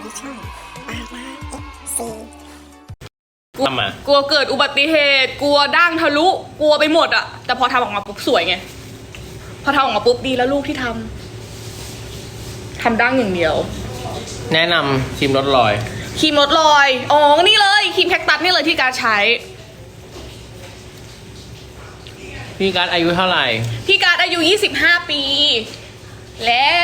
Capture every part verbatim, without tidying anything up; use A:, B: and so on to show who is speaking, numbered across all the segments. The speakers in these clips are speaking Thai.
A: ที่ช่องปาราเอฟซี
B: ทำมาก
C: ลัวเกิดอุบัติเหตุกลัวด่างทะลุกลัวไปหมดอะแต่พอทำออกมาปุ๊บสวยไงพอทำออกมาปุ๊บดีแล้วลูกที่ทำทำด่างอย่างเดียว
B: แนะนำครีมลดรอย
C: ครีมลดรอยอ๋อนี่เลยครีมแคคตัสนี่เลยที่การใช้
B: พี่การ์ดอายุเท่าไหร่
C: พี่การอายุยี่สิบห้าปี แล้ว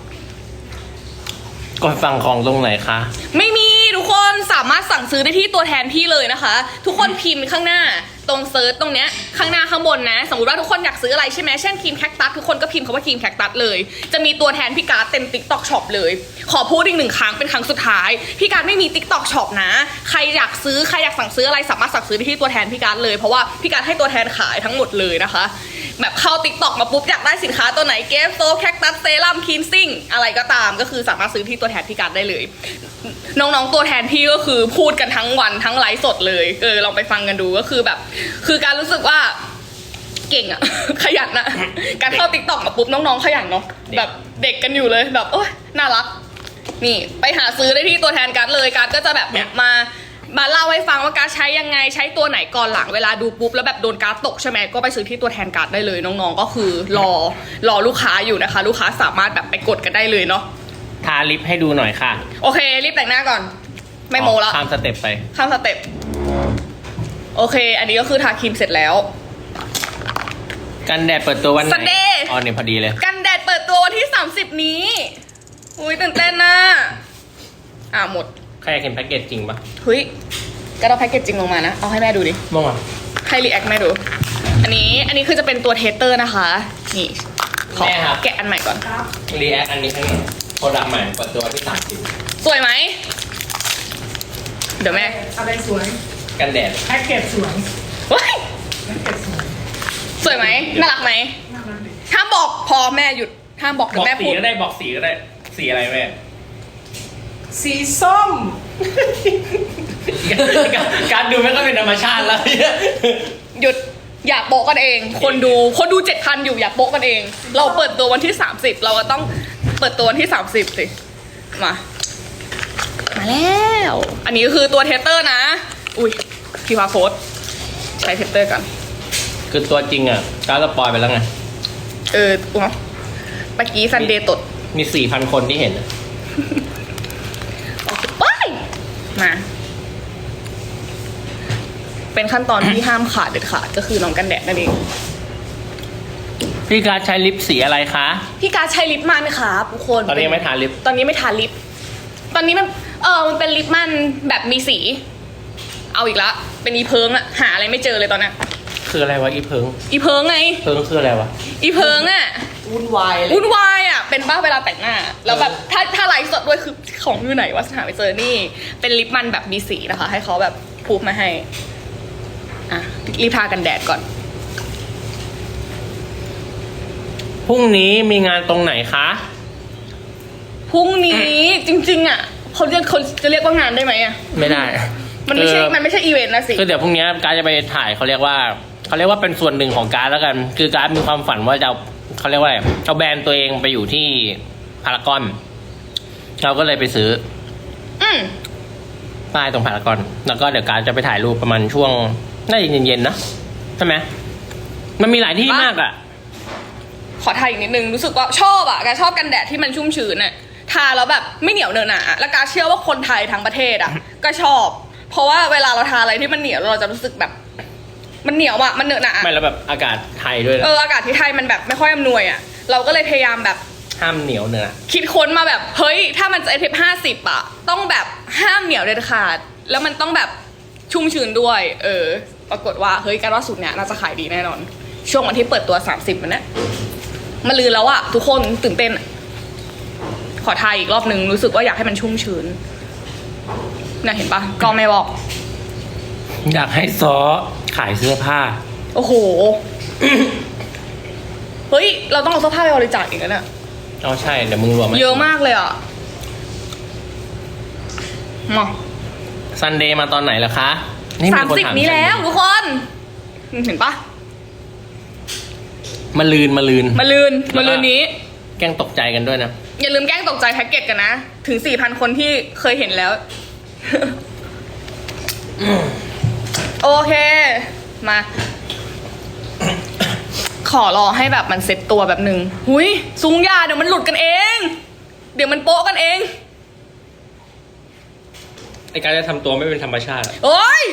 B: กดสั่งของตรงไหนคะ
C: ไม่มีทุกคนสามารถสั่งซื้อได้ที่ตัวแทนพี่เลยนะคะ ทุกคนพิมพ์ข้างหน้าตรงเซิร์ชตรงเนี้ยข้างหน้าข้างบนนะ สมมติว่าทุกคนอยากซื้ออะไรใช่ไหมเช่นครีมแคคตัสทุกคนก็พิมพ์คำว่าครีมแคคตัสเลยจะมีตัวแทนพี่การ์ดเต็ม ติ๊กต็อก ช็อป เลยขอพูดอีกหนึ่งครั้งเป็นครั้งสุดท้ายพี่การ์ดไม่มี ติ๊กต็อก ช็อป นะใครอยากซื้อใครอยากสั่งซื้ออะไรสามารถสั่งซื้อได้ที่ตัวแทนพี่การ์ดเลยเพราะว่าพี่การ์ดให้ตัวแทนขายทั้งหมดเลยนะคะแบบเข้า ติ๊กต็อก มาปุ๊บอยากได้สินค้าตัวไหนเกฟโซแคคตัสเซรั่มคลีนซิ่งอะไรก็ตามก็คือสามารถซื้อที่ตัวแทนพี่การ์ดได้เลยน้องๆตัวแทนพี่ก็คือพูดกันทั้งวันทั้งไลฟ์สดเลยเออลองไปฟังกันดูก็คือแบบคือการรู้สึกว่าเก่งอะ ขยันอะการเข้า ติ๊กต็อก มาปุ๊บน้องๆขยันเนาะแบบเด็กกันอยู่เลยแบบโอ๊ยน่ารักนี่ไปหาซื้อได้ที่ตัวแทนการ์ดเลยการ์ดก็จะแบบเนี่ยมามาเล่าให้ฟังว่าการ์ดใช้ยังไงใช้ตัวไหนก่อนหลังเวลาดูปุ๊บแล้วแบบโดนการ์ดตกใช่ไหมก็ไปซื้อที่ตัวแทนการ์ดได้เลยน้องๆก็คือรอรอลูกค้าอยู่นะคะ ลูกค้าสามารถแบบไปกดกันได้เลยเนาะ
B: ทาลิปให้ดูหน่อยค่ะ
C: โอเครีบแต่งหน้าก่อนไม่โมแล้ว
B: ข้ามสเต็ปไป
C: ข้ามสเต็ปโอเคอันนี้ก็คือทาครีมเสร็จแล้ว
B: กันแดดเปิดตัววันไหน
C: Sunday
B: อ๋อเนี่ยพอดีเลย
C: กันแดดเปิดตัววันที่สามสิบนี้อุ้ยตื่นเต้นนะอ่าหมด
B: ใครอยากเห็นแพ็กเกจจริงปะ
C: เฮ้ยก็เอาแพ็กเกจจริงลงมานะเอาให้แม่ดูดิ
B: มองอ่ะ
C: ให้รีแอคแม่ดูอันนี้อันนี้คือจะเป็นตัวเทสเตอร์นะคะนี่ขอ
B: แม่ครับ
C: แกะอันใหม่ก่อน
B: รีแอคอันนี้ให้โปรดักต์ใหม่เปิดตัววันที่สามสิบ
C: สวยไหมเดี๋ยวแม่
D: อะไรสวย
B: กันแดด
D: แพ็กเกจสวย
C: ว้าย
D: แพ็กเกจสวย
C: สวยไหมน่ารักไหม
D: น่ารักดี
C: ห้ามบอกพอแม่หยุดห้ามบอก
B: บ
C: เดี๋ย
B: อ
C: ว
B: ก
C: แม่
B: สี
C: พูด
B: ก็ได้บอกสีก็ได้สีอะไรแม่
D: สีส้ม
B: การการดูไม่ก็เป็นธรรมชาติแล้ว
C: หยุดอย่าโป๊ะกันเอง คนดูคนดูเจ็ดพันอยู่อย่าโป๊ะกันเอง เราเปิดตัววันที่สามสิบเราก็ต้องเปิดตัววันที่สามสิบสิมามาแล้ว อันนี้คือตัวเทสเตอร์นะ อุ้ยพี่พาโค้ดใช้เทสเตอร์กัน
B: คือตัวจริงอ่ะการสปอยไปแล้วไง
C: เอออุ๊ยเมื่อกี้ซันเดย์ตด
B: มีสี่พันคนที่เห็นอะ
C: ว้ายมา เป็นขั้นตอนที่ห้ามขาดเด็ดขาดก็คือน้องกันแดดนั่นเอง
B: พี่การดใช้ลิปสีอะไรคะ
C: พี่การดใช้ลิปมันครับทุกคน
B: ตอนนี้ยังไม่ทาลิป
C: ตอนนี้ไม่ทาลิป ตอนนี้มันเออมันเป็นลิปมันแบบมีสี เอาอีกละเป็นอีเพิงอะหาอะไรไม่เจอเลยตอนเนี้ย
B: คืออะไรวะอีเพิง
C: อีเพิงไง
B: เพิงคืออะไรวะ
C: อีเพิงอะ
D: วุ่นวายเลย
C: วุ่นวายอะเป็นบ้าเวลาแต่งหน้า แล้วแบบถ้าถ้าไลฟ์สดด้วยคือของอยู่ไหนวะหาไม่เจอนี่ เป็นลิปมันแบบมีสีนะคะ ให้เขาแบบพูดมาให้ อ่ะรีบทากันแดดก่อน
B: พรุ่งนี้มีงานตรงไหนคะ
C: พรุ่งนี้จริง ๆอะเขาเรียกเขาจะเรียกว่างานได้ไหมอะ
B: ไม่ได้
C: มันไม่ใช่
B: คือ
C: มันไม่ใช่อีเวนต์นะสิ
B: คือเดี๋ยวพรุ่งนี้การดจะไปถ่ายเขาเรียกว่าเขาเรียกว่าเป็นส่วนหนึ่งของการดแล้วกัน คือการดมีความฝันว่าจะเอาเขาเรียกว่าอะไรเอาแบรนด์ตัวเองไปอยู่ที่พารากอน เราก็เลยไปซื้อ
C: อืม
B: ป้ายตรงพารากอน แล้วก็เดี๋ยวการดจะไปถ่ายรูปประมาณช่วงน่าจะเย็นๆนะใช่ไหมมันมีหลายที่มากอ่ะ
C: ขอทาอีกนิดนึงรู้สึกว่าชอบอ่ะการชอบกันแดดที่มันชุ่มชื้นอ่ะทาแล้วแบบไม่เหนียวเนอะหนะแล้วการเชื่อว่าคนไทยทั้งประเทศอ่ะ ก็ชอบ เพราะว่าเวลาเราทาอะไรที่มันเหนียวเราจะรู้สึกแบบ มันเหนียวอ่ะมันเนอะหนะ
B: ไม่แล้วแบบอากาศไทยด้วยนะ
C: เอออากาศที่ไทยมันแบบไม่ค่อยอำนวยอ่ะเราก็เลยพยายามแบบ
B: ห้ามเหนียวเนื้อ
C: คิดค้นมาแบบเฮ้ยถ้ามันจะเอฟห้าสิบอ่ะต้องแบบห้ามเหนียวเด็ดขาดแล้วมันต้องแบบชุ่มชื้นด้วย เออ ปรากฏว่าเฮ้ยการว่าสูตรเนี้ยน่าจะขายดีแน่นอน ช่วงวันที่เปิดตัวสามสิบมันเนี้ยมาลืนแล้วอะทุกคนตื่นเต้นอะขอทายอีกรอบนึงรู้สึกว่าอยากให้มันชุ่มชื้นน่ะเห็นปะก็ไม่บอก
B: อยากให้ซอขายเสื้อผ้า
C: โอ้โห เฮ้ยเราต้องเอาเสื้อผ้าไปบริจาคอีกแล้วเนี่ย
B: อ๋อใช่เดี๋ยวมึงรวม
C: เยอะมากเลยอะมา
B: ซันเดย์มาตอนไหนล่ะคะ
C: สามสิบนี้แล้วทุกคนเห็นปะ
B: มาลืนมาลืน
C: มาลืนมาลืนนี้
B: แกล้งตกใจกันด้วยนะ
C: อย่าลืมแกล้งตกใจแพ็กเกจกันนะ ถึง สี่พัน คนที่เคยเห็นแล้ว โอเค มา ขอรอให้แบบมันเซ็ตตัวแบบหนึ่งหุยซุงยาเดี๋ยวมันหลุดกันเอง เดี๋ยวมันโป๊ะกันเอง
B: ไอการจะทำตัวไม่เป็นธรรมชาติอะ
C: โอ๊ย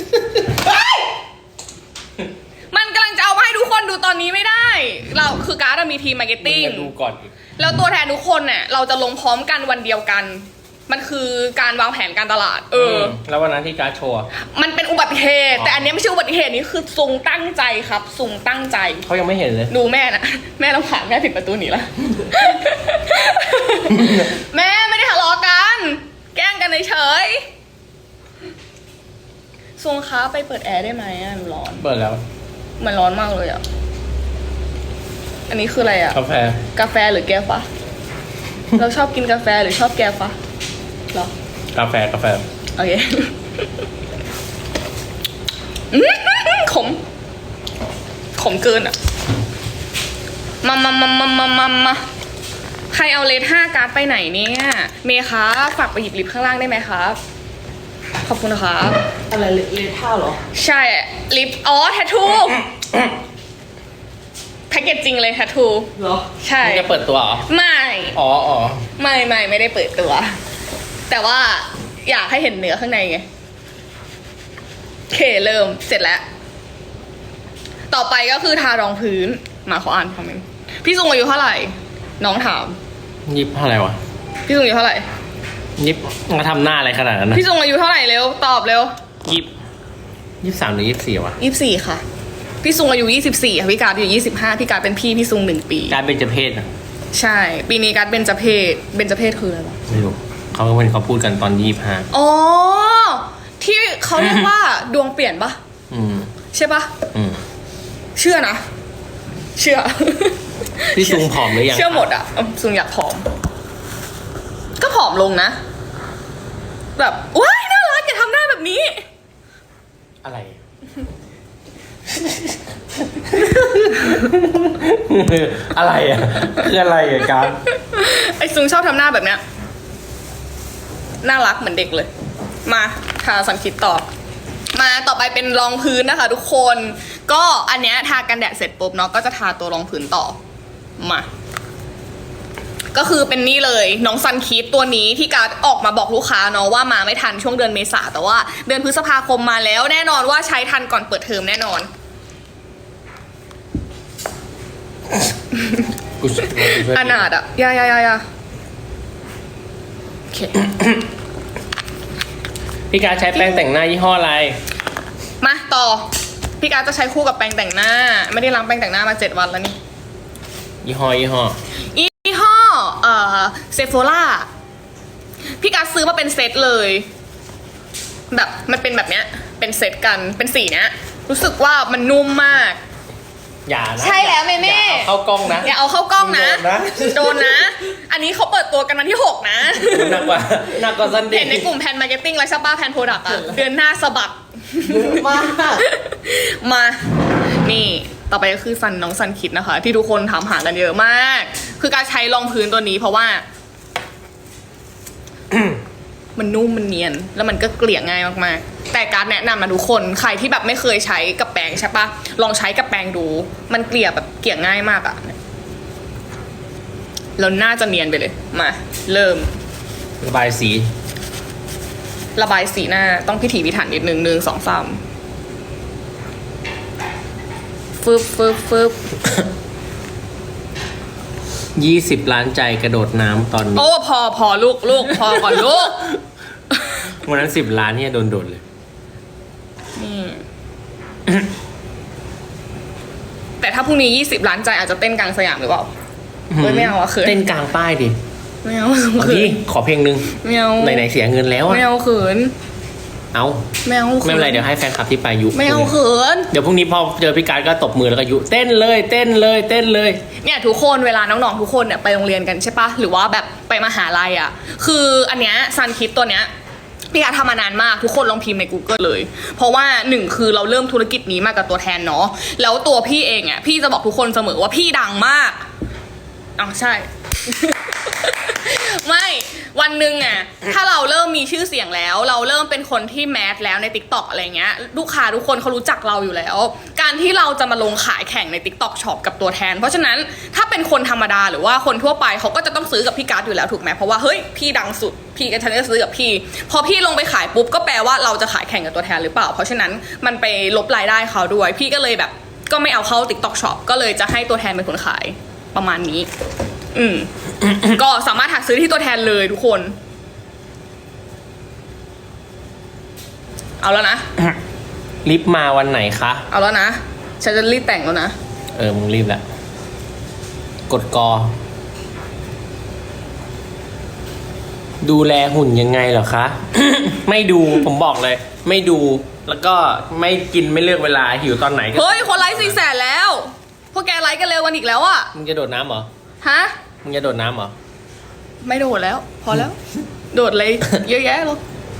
C: มันกำลังจะเอามาให้ทุกคนดูตอนนี้ไม่ได้ เราคือการ์ดอะมีทีมมาร์เก็ตติ้ง
B: มึงจะดูก่อนอีก
C: แล้วตัวแทนทุกคนเนี่ยเราจะลงพร้อมกันวันเดียวกัน มันคือการวางแผนการตลาด เออ
B: แล้ววันนั้นที่การดโชว์อะ
C: มันเป็นอุบัติเหตุ
B: อ๋อ
C: แต่อันเนี้ยไม่ใช่อุบัติเหตุนี้คือซุงตั้งใจครับซุงตั้งใจ
B: เขายังไม่เห็นเลย
C: ดูแม่นะแม่ต้องผ่านแม่ปิดประตูหนีละ แม่ไม่ได้ทะเลาะกัน แกล้งกันเฉยๆซุงคะไปเปิดแอร์ได้ไหมอ่ะหนูร้อน
B: เปิดแล้ว
C: มันร้อนมากเลยอ่ะ อันนี้คืออะไรอ่ะ
B: กาแฟ
C: กาแฟหรือแก้วฟ้า เราชอบกินกาแฟหรือชอบแก้วฟ้าหรอ
B: กาแฟกาแฟ
C: โอเค อื้อขม ขมเกินอ่ะ มามามามามามามาใครเอาเลทห้าการ์ดไปไหนเนี่ย เมย์คะฝากไปหยิบลิฟต์ข้างล่างได้ไหมครับ ขอบคุณนะคะ
D: อะไรเลเลท่าเหรอ
C: ใช่ ลิฟต์อ๋อ แทททู แพ็กเกจจริงเลยแทททู
D: เหรอ
C: ใช่
B: มึงจะเปิดตัวเหรอ
C: ไม่
B: อ๋ออ๋อ
C: ไม่ไม่ไม่ได้เปิดตัว แต่ว่าอยากให้เห็นเนื้อข้างในไงโอเคเริ่มเสร็จแล้ว ต่อไปก็คือทารองพื้น มาขออ่านคอมเมนต์พี่ซุงอายุเท่าไหร่ น้องถาม
B: ยิบเท่าไหร่วะ
C: พี่ซุงอายุเท่าไหร่
B: ยิบมาทำหน้าอะไรขนาดนั้นนะ
C: พี่ซุงอายุเท่าไหร่เร็วตอบเร็ว
B: ยิบยิบสามหรือยิบสี่วะ
C: ยี่สิบสี่ค่ะ พี่ซุงอายุยี่สิบสี่ค่ะพี่การ์ดอยู่ยี่สิบห้าพี่การ์ดเป็นพี่พี่ซุงหนึ่งปี
B: การเป็นเจเพศอะ
C: ใช่ ปีนี้การ์ดเบญจเพศเบญจเพศคืออะไรวะ
B: ไม่รู้เขาเป็นเขาพูดกันตอนยี่ห้า
C: อ๋อที่เขาเรียกว่าดวงเปลี่ยนปะ
B: อืม
C: ใช่ปะ
B: อืม
C: เชื่อนะ เชื่อ
B: พี่ซุงผอมหรือยัง
C: เชื่อหมดอ่ะอืมซุงอยากผอม ก็ผอมลงนะ แบบว้ายน่ารักอย่าทำหน้าแบบนี้
B: อะไร อะไรอ่ะคืออะไรอ่ะการ
C: ไอ้ซุงชอบทำหน้าแบบเนี้ย น่ารักเหมือนเด็กเลย มาทาสันคิดต่อ มาต่อไปเป็นรองพื้นนะคะ ทุกคน ก็อันเนี้ยทากันแดดเสร็จปุ๊บเนาะก็จะทาตัวรองพื้นต่อ มา ก็คือเป็นนี่เลยน้องซันคิดตัวนี้ที่การดออกมาบอกลูกค้าเนาะว่ามาไม่ทันช่วงเดือนเมษาแต่ว่าเดือนพฤษภาคมมาแล้วแน่นอนว่าใช้ทันก่อนเปิดเทอมแน่นอน
B: กูช่วยกูช่วย
C: อนาดอะยายายายาโอเค
B: พี่การใช้แป้งแต่งหน้ายี่ห้ออะไร
C: มาต่อ พี่การดจะใช้คู่กับแปรงแต่งหน้า ไม่ได้ล้างแปรงแต่งหน้ามาเจ็ดวันแล้วนี่
B: ยี่ห้อยี่ห้อ
C: ยี่ห้อเอ่อเซโฟล่าพี่การดซื้อมาเป็นเซตเลย แบบมันเป็นแบบเนี้ย เป็นเซตกันเป็นสีเนี้ย รู้สึกว่ามันนุ่มมาก
B: อย่านะ
C: ใช่แล้วเมเม่
B: อย่าเอาเข้ากล้องนะ
C: อย่าเอาเข้ากล้องนะ
B: โดนนะ
C: โดนนะ อันนี้เขาเปิดตัวกันวันที่หกนะ
B: หนักกว่าหนักกว่าซันเด
C: เห็น
B: ย์
C: ในกลุ่มแพนมาร์เก็ตติ้งแล้วใช่ป้าแพนโปรดักต์อะเดือนหน้าสะบัด
D: เยอะมาก
C: มา นี่ ต่อไปก็คือซันน้องซันคิดนะคะ ที่ทุกคนถามหากันเยอะมาก คือการใช้รองพื้นตัวนี้เพราะว่า มันนุ่มมันเนียน แล้วมันก็เกลี่ยง่ายมากๆ แต่การแนะนำนะทุกคน ใครที่แบบไม่เคยใช้กับแปรงใช่ปะลองใช้กับแปรงดู มันเกลี่ยแบบเกลี่ยง่ายมากอะแล้วน่าจะเนียนไปเลย มา เริ่ม
B: ระบายสี
C: ระบายสีหน้าต้องพิถีพิถันนิดนึงหนึ่งสองสามฟึบฟึบฟึบ
B: ยี่สิบล้านใจกระโดดน้ำตอนนี้
C: โอ้พอพอลูกลูกพอก่อนลูก
B: วันนั้นสิบล้านเนี่ยโดนโดดเลย
C: นี่ แต่ถ้าพรุ่งนี้ยี่สิบล้านใจอาจจะเต้นกลางสยามหรือเปล่าเฮ้ยไม่เอาอะเขิน
B: เต้นกลางป้ายดิ
C: ไม่เอา
B: เอา
C: เขิ
B: ดิ
C: น
B: ขอเพลงหนึ่ง
C: ไม่เอา
B: ไหนๆเสียเงินแล้วอะ
C: ไม่เอาเขิน
B: เอา
C: ไม่เอาขิ
B: ไม่เป็นไรเดี๋ยวให้แฟนคลับที่ไปยุ
C: ไม่เอาเขิน
B: เดี๋ยวพรุ่งนี้พอเจอพี่การดก็ตบมือแล้วก็ยุเต้นเลยเต้นเลยเต้นเลย
C: เนี่ยทุกคนเวลาน้องๆทุกคนเนี่ยไปโรงเรียนกันใช่ปะหรือว่าแบบไปมหาลัยอ่ะคืออันเนี้ยซันคิดตัวเนี้ยพี่อาทำมานานมากทุกคนลองพิมพ์ใน Google เลย เพราะว่าหนึ่งคือเราเริ่มธุรกิจนี้มากับตัวแทนเนาะแล้วตัวพี่เองอ่ะพี่จะบอกทุกคนเสมอว่าพี่ดังมากอ๋อใช่ไม่วันหนึ่งอ่ะถ้าเราเริ่มมีชื่อเสียงแล้ว เราเริ่มเป็นคนที่แมสแล้วใน ติ๊กต็อก อะไรเงี้ยลูกค้าทุกคนเขารู้จักเราอยู่แล้ว การที่เราจะมาลงขายแข่งใน ติ๊กต็อก ช็อปกับตัวแทน เพราะฉะนั้นถ้าเป็นคนธรรมดาหรือว่าคนทั่วไปเขาก็จะต้องซื้อกับพี่การ์ดอยู่แล้วถูกไหมเพราะว่าเฮ้ยพี่ดังสุดพี่ก็ฉันจะซื้อกับพี่พอพี่ลงไปขายปุ๊บก็แปลว่าเราจะขายแข่งกับตัวแทนหรือเปล่าเพราะฉะนั้นมันไปลบรายได้เขาด้วยพี่ก็เลยแบบก็ไม่เอาเข้า ติ๊กต็อก ช็อป ก็เลยจะให้ตัวแทนเป็นคนขายประมาณนี้อืม ก็สามารถหาซื้อที่ตัวแทนเลยทุกคน เอาแล้วนะ
B: ลิฟต์มาวันไหนคะ
C: เอาแล้วนะ ฉันจะรีบแต่งแล้วนะ
B: เออ มึงรีบแหละ กดกอ ดูแลหุ่นยังไงเหรอคะ ไม่ดู ผมบอกเลย ไม่ดู แล้วก็ไม่กินไม่เลือกเวลา หิวตอนไหนก็
C: เฮ้ย คนไลค์สี่แสนแล้ว พวกแกไลค์กันเร็วกันอีกแล้วอะ
B: มึงจะโดดน้ำเหรอ
C: ฮะ
B: มึงจะโดดน้ำเหรอ
C: ไม่โดดแล้ว พอแล้ว โดดเลย เยอะแยะเลย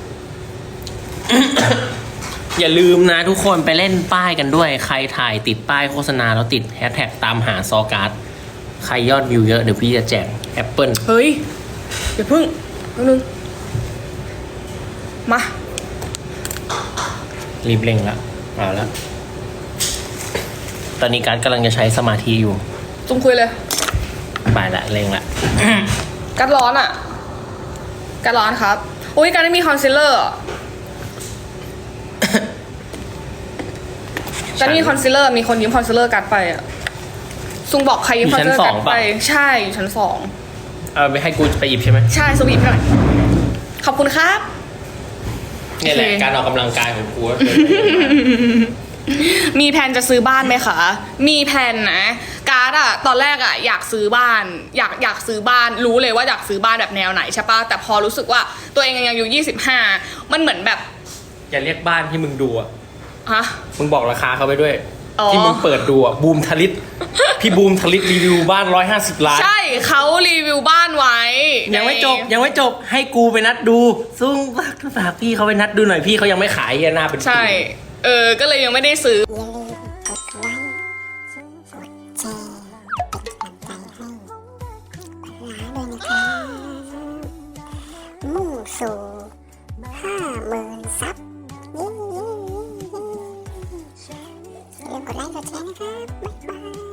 B: อย่าลืมนะทุกคนไปเล่นป้ายกันด้วย ใครถ่ายติดป้ายโฆษณาแล้วติดแฮชแท็กตามหาซอการ์ด ใครยอดวิวเยอะเดี๋ยวพี่จะแจกแอปเปิล
C: เฮ้ยอย่าพึ่งแป๊บนึงมา
B: รีบเร่งละเอาละตอนนี้การ์ดกำลังจะใช้สมาธิอยู่
C: จุ่มคุยเลย
B: ไปละเร่งละ
C: กัดร้อนอะกัดร้อนครับอุ้ยการไม่มีคอนซีลเลอร์อะการไม่มีคอนซีลเลอร์มีคนยืมคอนซีลเลอร์กัดไปอะซุงบอกใครยืมคอนซีลเลอร์กัดไปใช่อยู่ชั้นสอง
B: เอาไปให้กูไปหยิบใช่ไหม
C: ใช่สวีทหน่อยขอบคุณครับ
B: นี่แหละ
C: โอเค
B: การออกกำลังกายของกู
C: มีแผนจะซื้อบ้านไหมคะ มีแผนนะการ์ดอะตอนแรกอะอยากซื้อบ้าน อยากอยากซื้อบ้าน รู้เลยว่าอยากซื้อบ้านแบบแนวไหนใช่ปะแต่พอรู้สึกว่าตัวเองยังอายุยี่สิบห้ามันเหมือนแบบ
B: อย่าเรียกบ้านที่มึงดูอ่ะ
C: ฮะ
B: มึงบอกราคาเขาไปด้วย
C: อ๋อ
B: ที่มึงเปิดดูอ่ะ บูมทลิต พี่บูมทลิตรีวิวบ้านร้อยห้าสิบล้าน
C: ใช่เขารีวิวบ้านไว้
B: ยังไม่จบ
C: ใน
B: ยังไม่จบ ให้กูไปนัดดูซึ่งฝากพี่เขาไปนัดดูหน่อยพี่เขายังไม่ขายเฮียหน้าเป็น
C: ใช่ เออ ก็เลยยังไม่ได้ซื้อ
A: อย่าลืมกดไลค์กดแชร์เป็นกำลังใจให้ขวัญร้าด้วยนะครับมุ่งสู่ห้าหมื่นซับเย้อย่าลืมกดไลค์กดแชร์นะครับบ๊ายบาย